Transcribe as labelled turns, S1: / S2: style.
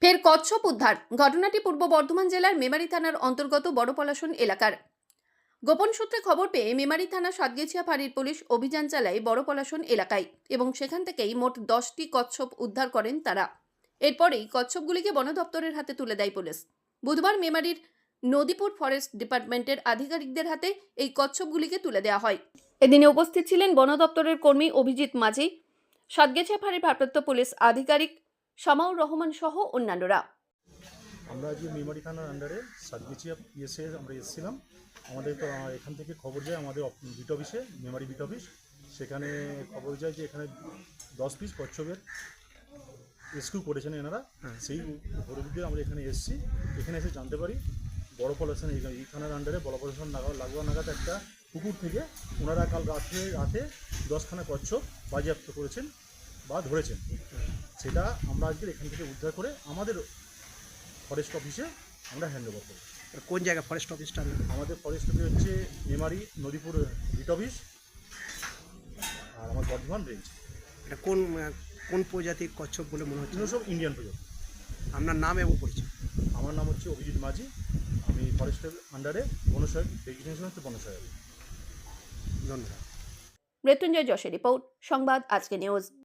S1: ফের কচ্ছপ উদ্ধার। ঘটনাটি পূর্ব বর্ধমান জেলার মেমারি থানার অন্তর্গত বড় পলাশন এলাকার। গোপন সূত্রে খবর পেয়ে মেমারি থানা সাতগেছিয়া ফাঁড়ির পুলিশ অভিযান চালায় বড় পলাশন এলাকায় এবং সেখান থেকেই মোট 10টি কচ্ছপ উদ্ধার করেন তারা। এরপরেই কচ্ছপগুলিকে বন দপ্তরের হাতে তুলে দেয় পুলিশ। বুধবার মেমারির নদীপুর ফরেস্ট ডিপার্টমেন্টের আধিকারিকদের হাতে এই কচ্ছপগুলিকে তুলে দেওয়া হয়। এদিনে উপস্থিত ছিলেন বন দপ্তরের কর্মী অভিজিৎ মাঝি, সাতগেছিয়া ফাঁড়ির ভারপ্রাপ্ত পুলিশ আধিকারিক শামাউর রহমান সহ অন্যান্যরা।
S2: আমরা আজকে মেমারি থানার আন্ডারে সাতগেছিয়া পিএসএ আমরা এসেছিলাম। আমাদের তো এখান থেকে খবর যায় আমাদের বিট অফিসে, মেমারি বিট অফিস, সেখানে খবর যায় যে এখানে 10 পিস কচ্ছপের রেস্কিউ করেছেন এনারা। সেই পরিপ্রেক্ষিতে আমরা এখানে এসেছি। এখানে এসে জানতে পারি বড় পলাশন এই থানার আন্ডারে বড় পলাশন লাগোয়া নাগাদ একটা পুকুর থেকে ওনারা কাল রাতে 10খানা কচ্ছপ বাজেয়াপ্ত করেছেন বা ধরেছেন। সেটা আমরা আজকে এখান থেকে উদ্ধার করে আমাদের ফরেস্ট অফিসে আমরা হ্যান্ড ওভার করি।
S3: কোন জায়গা ফরেস্ট অফিসটা?
S2: আমাদের ফরেস্ট অফিস হচ্ছে মেমারি নদীপুর বিট অফিস আর আমার বর্ধমান রেঞ্জ।
S3: এটা কোন কোন প্রজাতির কচ্ছপ বলে মনে হচ্ছে?
S2: এগুলো সব ইন্ডিয়ান প্রজাতি।
S3: আপনার নাম এবং পরিচয়?
S2: আমার নাম হচ্ছে অভিজিৎ মাঝি। আমি ফরেস্টের আন্ডারে বনসহায়ক, ডেজিগনেশন হচ্ছে বনসহায়ক।
S3: ধন্যবাদ।
S1: মৃত্যুঞ্জয় যশের রিপোর্ট, সংবাদ আজকে নিউজ।